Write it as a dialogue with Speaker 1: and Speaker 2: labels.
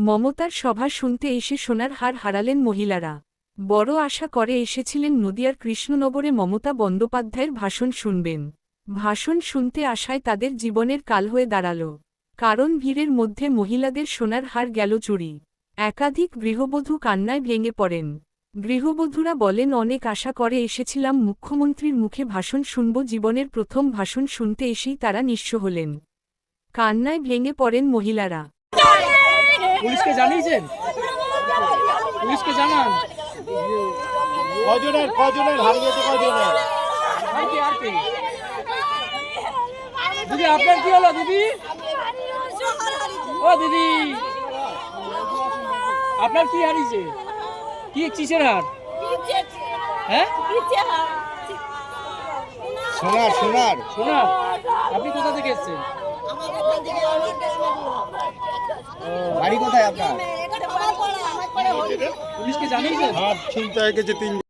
Speaker 1: মমতার সভা শুনতে এসে সোনার হার হারালেন মহিলারা। বড় আশা করে এসেছিলেন নদিয়ার কৃষ্ণনগরে মমতা বন্দ্যোপাধ্যায়ের ভাষণ শুনবেন। ভাষণ শুনতে আসায় তাদের জীবনের কাল হয়ে দাঁড়াল। কারণ ভিড়ের মধ্যে মহিলাদের সোনার হার গেল চুরি। একাধিক গৃহবধূ কান্নায় ভেঙে পড়েন। গৃহবধূরা বলেন, অনেক আশা করে এসেছিলাম, মুখ্যমন্ত্রীর মুখে ভাষণ শুনব, জীবনের প্রথম ভাষণ শুনতে এসেই তারা নিঃস্ব হলেন। কান্নায় ভেঙে পড়েন মহিলারা।
Speaker 2: পুলিশকে জানিয়েছেন? পুলিশকে জানান।
Speaker 3: কজনের হারিয়েছে কজনের?
Speaker 2: দিদি আপনার কি হলো দিদি? ও দিদি আপনার কি হারিয়েছে? কি কিসের হার? হ্যাঁ,
Speaker 3: সোনার সোনার
Speaker 2: সোনার। আপনি কোথা থেকে এসেছেন?
Speaker 3: বাড়ি কোথায় আপনার?
Speaker 2: পুলিশকে জানিয়েছেন?
Speaker 3: হাত ছিনতাই হয়ে গেছে 3